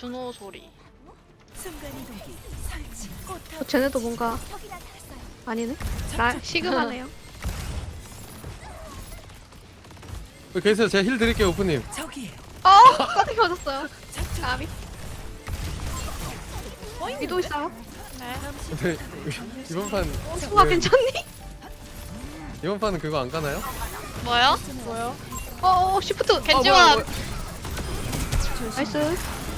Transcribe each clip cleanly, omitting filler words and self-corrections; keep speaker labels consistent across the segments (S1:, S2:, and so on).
S1: 준호 소리.
S2: 쟤네도 뭔가 아니네. 나 시그마네요.
S3: 여기 계세요. 제가 힐 드릴게요, 오프님.
S2: 깜짝이 맞았어요. 까비. 위도 있어요.
S1: 네.
S3: 근데 이번 판
S2: 수아 괜찮니?
S3: 이번 판은 그거 안 가나요?
S1: 뭐요?
S2: 시프트.
S1: 겐지와
S2: 나이스.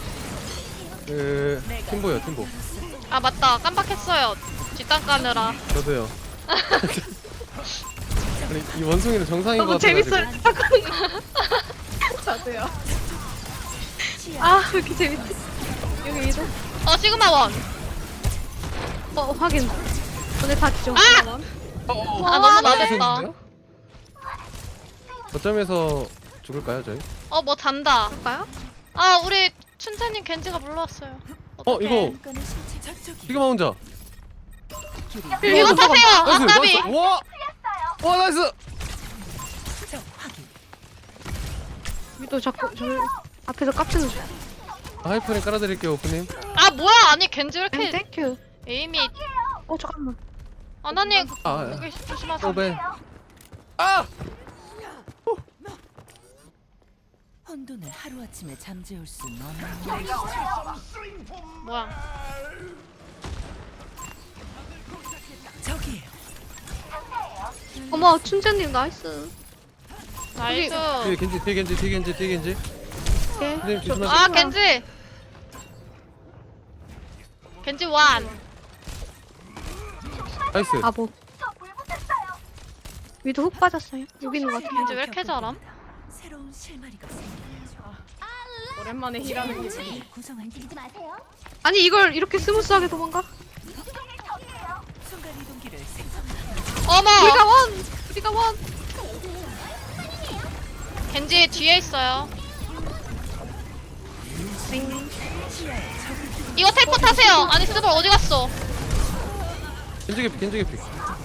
S3: 그 팀보요, 팀보.
S1: 아 맞다 깜빡했어요. 뒷땅 까느라.
S3: 저도요. 아니 이 원숭이는 정상인 것
S2: 너무
S3: 같아가지고.
S2: 재밌어요. 잠깐만. 저도요. 왜 이렇게 재밌지? 여기 위도.
S1: 시그마 원.
S2: 확인. 오늘 봤죠?
S1: 너무 낮았다.
S3: 거점에서 죽을까요, 저희?
S1: 뭐 잔다.
S2: 볼까요?
S1: 우리 춘자님 겐지가 물러왔어요.
S3: 이거 시그마 혼자.
S1: 이거 타세요.
S3: 나이스,
S1: 까비.
S3: 나이스. 와, 나이스.
S2: 위도 자꾸 저 앞에서 깝치는 중.
S3: 하이퍼링 깔아드릴게요, 오프님.
S1: 뭐야 아니 겐지 왜 이렇게
S2: 땡큐.
S1: 에임이.
S2: 잠깐만.
S1: 아나님
S3: 아,
S1: 여기 조심하세요.
S3: 오벤.
S4: 혼돈을 하루아침에 잠재울 수 없는
S1: 뭐야?
S4: 저기에요.
S2: 어머 춘자님 나이스.
S1: 나이스.
S3: 뒤에 겐지, 뒤에 겐지, 뒤에 겐지, 뒤에 겐지.
S2: 오케이.
S3: 선생님 조심하세요.
S1: 겐지. 겐지 원.
S3: 나이스.
S2: 바보. 위도 훅 빠졌어요. 여기 있는 것 같아요.
S1: 겐지 왜 이렇게 잘함?
S4: 새로운 실마리가 생겨나죠.
S5: 오랜만에 힐하는 기분.
S4: 구성한 마세요.
S2: 아니 이걸 이렇게 스무스하게 도망가?
S4: 순간 이동기를 생성.
S1: 어머.
S2: 우리가 원.
S1: 겐지 뒤에 있어요. 이거 텔포 타세요. 아니 스볼 어디 갔어?
S3: 겐지 개피, 겐지 개피.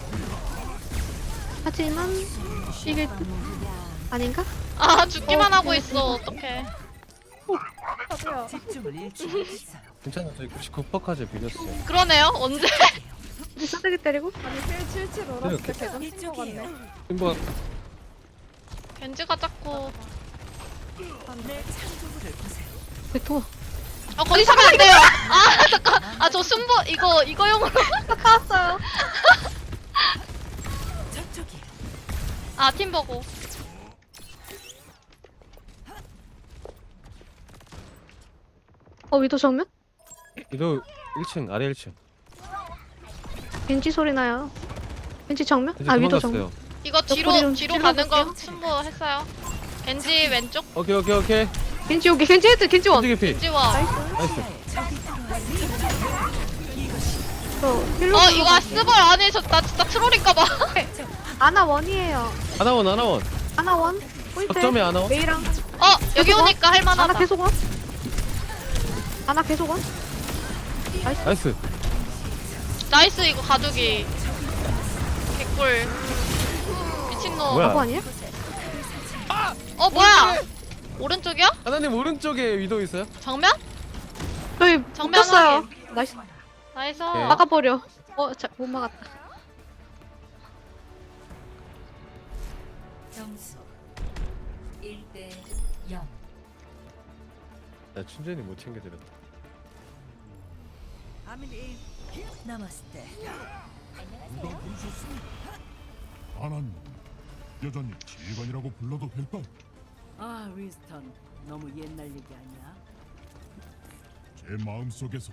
S2: 하지만 이게 아닌가?
S1: 죽기만 하고 있어. 어떡해.
S4: 집중을 잃지 못했어요.
S3: 괜찮아, 저희 99%까지 비겼어요.
S1: 그러네요. 언제?
S2: 우리 싸대기 때리고?
S5: 아니 칠 놀았을 때 계속 친거
S4: 이쪽이에요.
S5: 같네.
S3: 팀보
S1: 겐지가 자꾸.
S4: 내 창조물을 보세요.
S2: 백토.
S1: 거기 서면 안 돼요. 잠깐. 저 순보 이거용으로
S2: 나왔어요.
S4: 저쪽이에요.
S1: 팀 보고.
S2: 위도 정면?
S3: 이도 1층, 아래 1층.
S2: 겐지 소리 나요. 겐지 정면?
S3: 겐지
S2: 위도
S3: 도망갔어요.
S2: 정면.
S1: 이거 뒤로
S2: 옆구리 좀
S1: 가는 거
S2: 찔러볼게요.
S1: 순보 했어요. 겐지 왼쪽.
S3: 오케이.
S2: 겐지 여기 겐지 헤드 겐지 원.
S3: 겐지 개피.
S1: 겐지와.
S3: 나이스.
S2: 힐러
S1: 이거 스볼 안에 나 진짜 트롤인가봐.
S2: 아나 원이에요.
S3: 하나원.
S2: 아나 원. 포인트.
S3: 어쩌면 아나원?
S2: 메이랑
S1: 여기 오니까
S2: 아나
S1: 할만하다.
S2: 계속 원. 아나 계속 원.
S3: 나이스.
S1: 나이스 이거 가두기. 개꿀. 미친놈.
S3: 뭐야?
S2: 바보 아니야?
S1: 뭐야? 오른쪽이야?
S3: 하나님 오른쪽에 위도 있어요?
S1: 정면?
S2: 저희
S1: 정면
S2: 묶였어요. 나이스.
S1: 나이스.
S3: 오케이.
S2: 막아버려. 못 막았다.
S4: 점수 1대 0.
S3: 나 춘전이 못 챙겨드렸다.
S4: 나마스테.
S6: 아난 여전히 지휘관이라고 불러도 될까?
S4: 윈스턴. 너무 옛날 얘기 아니야?
S6: 제 마음속에서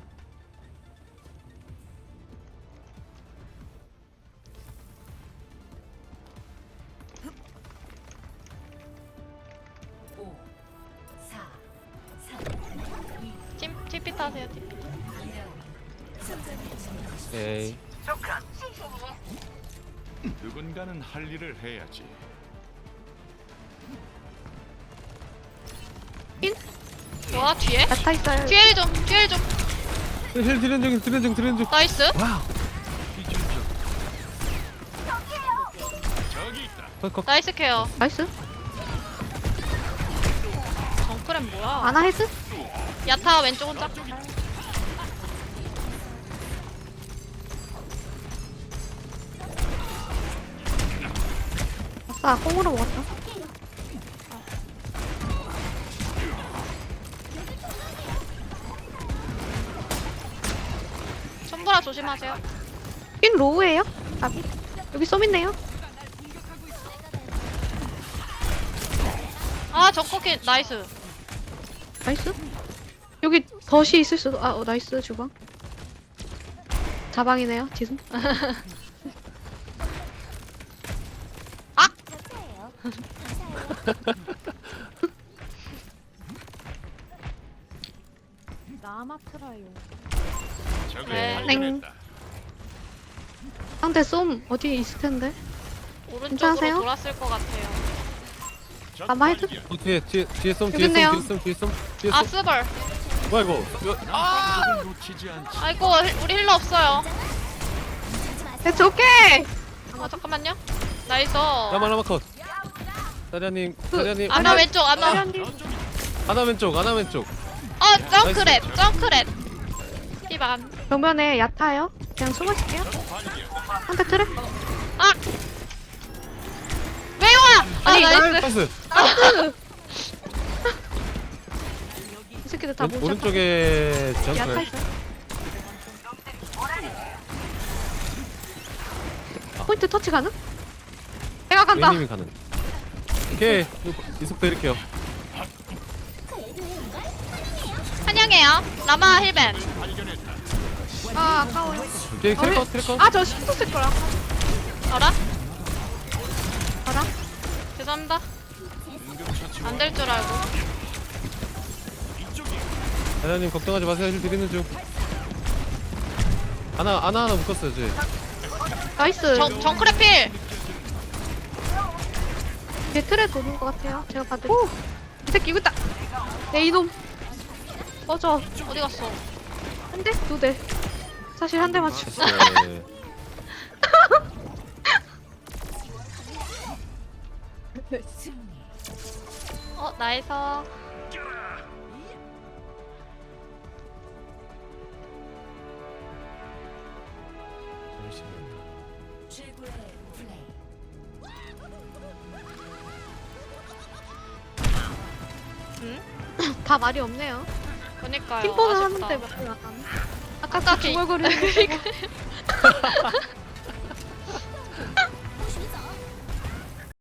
S1: TP 타세요 TP.
S3: 에이.
S7: 누군가는 할 일을 해야지.
S1: 뭐야 뒤에?
S2: 야타 있어요.
S1: 뒤에 좀 뒤에 좀.
S3: 힐 드렌 중.
S1: 나이스.
S3: 와우.
S7: 저기 있다.
S3: 컷.
S1: 나이스 케어.
S2: 나이스.
S1: 정크랩 뭐야?
S2: 아나 헤드?
S1: 야타 왼쪽 혼자.
S2: 아싸, 콩으로 먹었다.
S1: 손보라 조심하세요.
S2: 핀 로우예요? 나비. 여기 쏨 있네요.
S1: 아 저코키 나이스.
S2: 나이스. 여기 덫이 있을 수도. 나이스 주방. 자방이네요. 지금.
S5: 나마트라요.
S7: 적을
S1: 네.
S7: 발견했다.
S2: 상대 쏨 어디 있을 텐데.
S1: 오른쪽으로
S2: 괜찮으세요?
S1: 돌았을 것 같아요.
S7: 적
S2: 아마 헤드?
S7: 발견.
S3: 뒤에 쏨
S2: 여기 있네요.
S3: 뒤에
S1: 아
S3: 쏨.
S1: 스벌.
S3: 뭐야 이거?
S7: 적을 놓치지 않지.
S1: 아이고 우리 힐러 없어요.
S2: It's okay.
S1: 아 잠깐만요. 나이스.
S3: 라마 컷. 사리아님
S1: 아나 왼쪽 아나.
S3: 하나 왼쪽.
S1: 점크랩 점크랩. 피반.
S2: 정면에 얕아요. 그냥 숨어있을게요. 상대 트랩.
S1: 아. 왜 와? 아
S2: 아니,
S1: 나이스.
S3: 나이스.
S2: 이 새끼들 다 모셔.
S3: 오른쪽에
S2: 얕아
S3: 점프.
S2: 있어. 포인트 터치 가능? 내가 간다.
S3: 웨이님이 가는. 오케이 이속 드릴게요.
S1: 환영해요. 라마 힐벤.
S2: 아 아까워요.
S3: 오케이 트래커.
S2: 아저 슈퍼 쓸 거야.
S1: 알아?
S2: 알아?
S1: 죄송합니다. 안 될 줄 알고.
S3: 사리아님 걱정하지 마세요. 힐 드리는 중. 하나 묶었어요 쟤.
S2: 나이스.
S1: 정크랩 필.
S2: 제 틀에 도는 것 같아요. 제가 봐도. 오! 이 새끼 이거 있다. 내 이놈. 꺼져.
S1: 어디 갔어?
S2: 한 대? 두 대. 사실 한 대 맞추.
S3: 네.
S1: 나이스.
S2: 다 말이 없네요.
S1: 그니까요.
S2: 팀포는
S1: 아쉽다.
S2: 하는데 말이 안 하네. 아까
S1: 아까
S2: 그 중얼거리는 거.